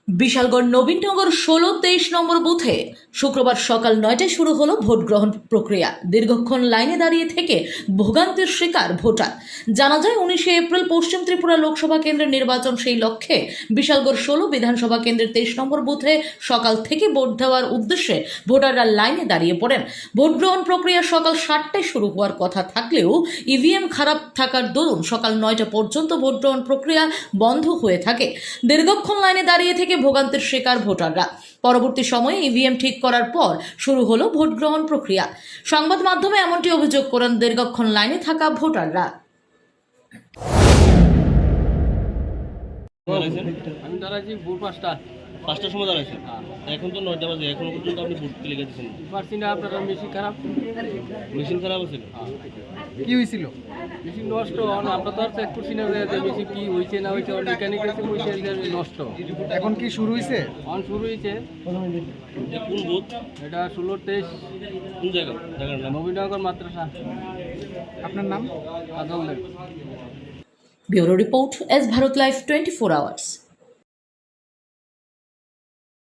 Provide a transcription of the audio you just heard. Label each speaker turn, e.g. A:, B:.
A: বিশালগড় নবীননগর ১৬-২৩ নম্বর বুথে শুক্রবার সকাল ৯টায় শুরু হলো ভোট গ্রহণ প্রক্রিয়া। দীর্ঘক্ষণ লাইনে দাঁড়িয়ে থেকে ভোগান্তির শিকার ভোটার। জানা যায় ১৯শে এপ্রিল পশ্চিম ত্রিপুরা লোকসভা কেন্দ্রের নির্বাচন, সেই লক্ষ্যে বিশালগড় ১৬ বিধানসভা কেন্দ্রের ২৩ নম্বর বুথে সকাল থেকে ভোট দেওয়ার উদ্দেশ্যে ভোটাররা লাইনে দাঁড়িয়ে পড়েন। ভোট গ্রহণ প্রক্রিয়া সকাল ৭টায় শুরু হওয়ার কথা থাকলেও ইভিএম খারাপ থাকার দরুন সকাল ৯টা পর্যন্ত ভোট গ্রহণ প্রক্রিয়া বন্ধ হয়ে থাকে। দীর্ঘক্ষণ লাইনে দাঁড়িয়ে থেকে ভোগান্তির শিকার ভোটাররা। পরবর্তী সময়ে ইভিএম ঠিক করার পর শুরু হলো ভোট গ্রহণ প্রক্রিয়া। সংবাদ মাধ্যমে এমনটি অভিযোগ করেন দীর্ঘক্ষণ লাইনে থাকা ভোটাররা।
B: আমি দাঁড়াইছি ভোর পাঁচটার সময় দাঁড়াইছি। এখন তো ৯টা বাজে, এখনো পর্যন্ত আপনি ভোট লিখে দিচ্ছেন পারছি না। আপনার মেশিন খারাপ আছে।
C: কি হয়েছিল?
B: মেশিন নষ্ট। আমরা তো আর চেক করছি না যে মেশিন কি হয়েছে না হয়েছে। মেকানিক এসে কইছে যে নষ্ট।
C: এখন কি শুরু হয়েছে?
B: শুরু হয়েছে। কোন বুথ এটা? ১৬-২৩। কোন জায়গার নাম? নবীননগর মাদ্রাসা।
C: আপনার নাম?
B: Ajal Deb.
A: Bureau report, S Bharat live 24 hours.